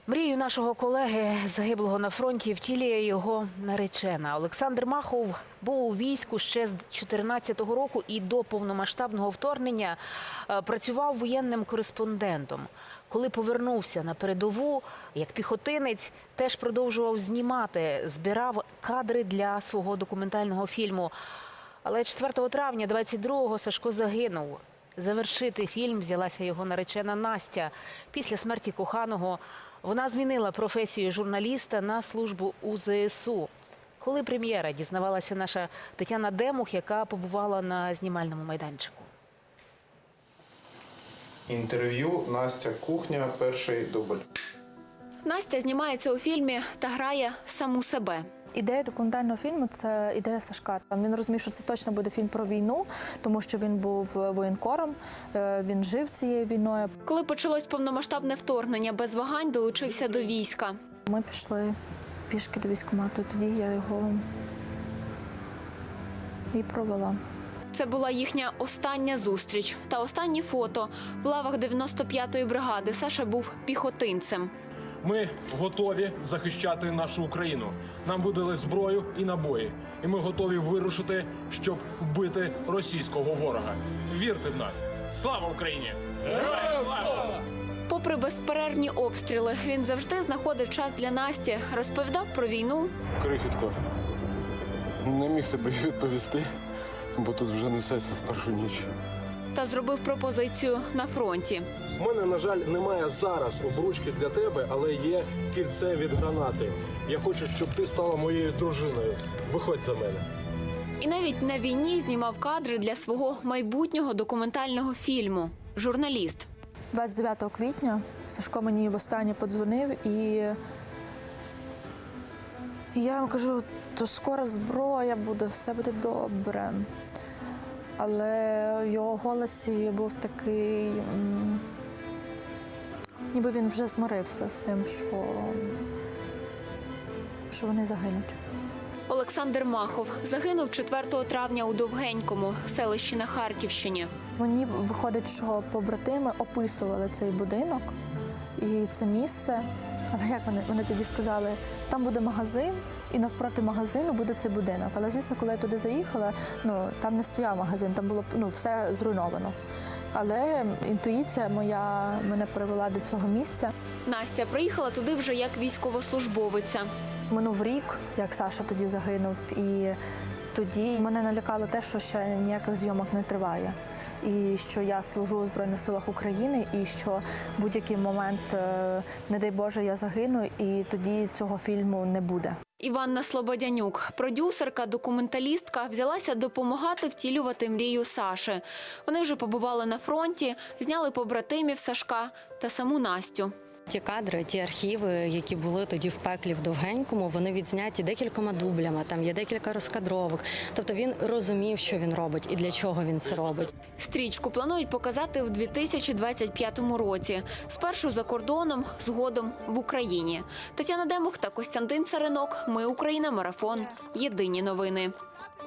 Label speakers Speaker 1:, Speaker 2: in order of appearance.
Speaker 1: Мрію нашого колеги, загиблого на фронті, втілює його наречена. Олександр Махов був у війську ще з 2014 року і до повномасштабного вторгнення працював воєнним кореспондентом. Коли повернувся на передову, як піхотинець, теж продовжував знімати, збирав кадри для свого документального фільму. Але 4 травня 22-го Сашко загинув. Завершити фільм взялася його наречена Настя. Після смерті коханого вона змінила професію журналіста на службу у ЗСУ. Коли прем'єра, дізнавалася наша Тетяна Демух, яка побувала на знімальному майданчику.
Speaker 2: Інтерв'ю «Настя. Кухня. Перший дубль».
Speaker 3: Настя знімається у фільмі та грає саму себе.
Speaker 4: Ідея документального фільму – це ідея Сашка. Він розумів, що це точно буде фільм про війну, тому що він був воєнкором, він жив цією війною.
Speaker 3: Коли почалось повномасштабне вторгнення, без вагань долучився до війська.
Speaker 4: Ми пішли пішки до військкомату, тоді я його і провела.
Speaker 3: Це була їхня остання зустріч та останні фото. В лавах 95-ї бригади Саша був піхотинцем.
Speaker 5: Ми готові захищати нашу Україну. Нам видали зброю і набої. І ми готові вирушити, щоб бити російського ворога. Вірте в нас! Слава Україні! Героям слава!
Speaker 3: Попри безперервні обстріли, він завжди знаходив час для Насті, розповідав про війну.
Speaker 6: Крихітко, не міг тобі відповісти, бо тут вже несеться в першу ніч.
Speaker 3: Та зробив пропозицію на фронті.
Speaker 7: У мене, на жаль, немає зараз обручки для тебе, але є кільце від гранати. Я хочу, щоб ти стала моєю дружиною. Виходь за мене.
Speaker 3: І навіть на війні знімав кадри для свого майбутнього документального фільму «Журналіст».
Speaker 4: 29 квітня Сашко мені востаннє подзвонив, і я йому кажу, то скоро зброя буде, все буде добре. Але в його голосі був такий, ніби він вже змирився з тим, що вони загинуть.
Speaker 3: Олександр Махов загинув 4 травня у Довгенькому, селищі на Харківщині.
Speaker 4: Мені виходить, що побратими описували цей будинок і це місце. Але як вони тоді сказали, там буде магазин, і навпроти магазину буде цей будинок. Але, звісно, коли я туди заїхала, там не стояв магазин, там було все зруйновано. Але інтуїція моя мене привела до цього місця.
Speaker 3: Настя приїхала туди вже як військовослужбовиця.
Speaker 4: Минув рік, як Саша тоді загинув, і тоді мене налякало те, що ще ніяких зйомок не триває. І що я служу у Збройних силах України, і що в будь-який момент, не дай Боже, я загину, і тоді цього фільму не буде.
Speaker 3: Іванна Слободянюк, продюсерка, документалістка, взялася допомагати втілювати мрію Саші. Вони вже побували на фронті, зняли побратимів Сашка та саму Настю.
Speaker 8: Ті кадри, ті архіви, які були тоді в пеклі в Довгенькому, вони відзняті декількома дублями, там є декілька розкадровок. Тобто він розумів, що він робить і для чого він це робить.
Speaker 3: Стрічку планують показати в 2025 році. Спершу за кордоном, згодом в Україні. Тетяна Демух та Костянтин Царинок. Ми Україна. Марафон. Єдині новини.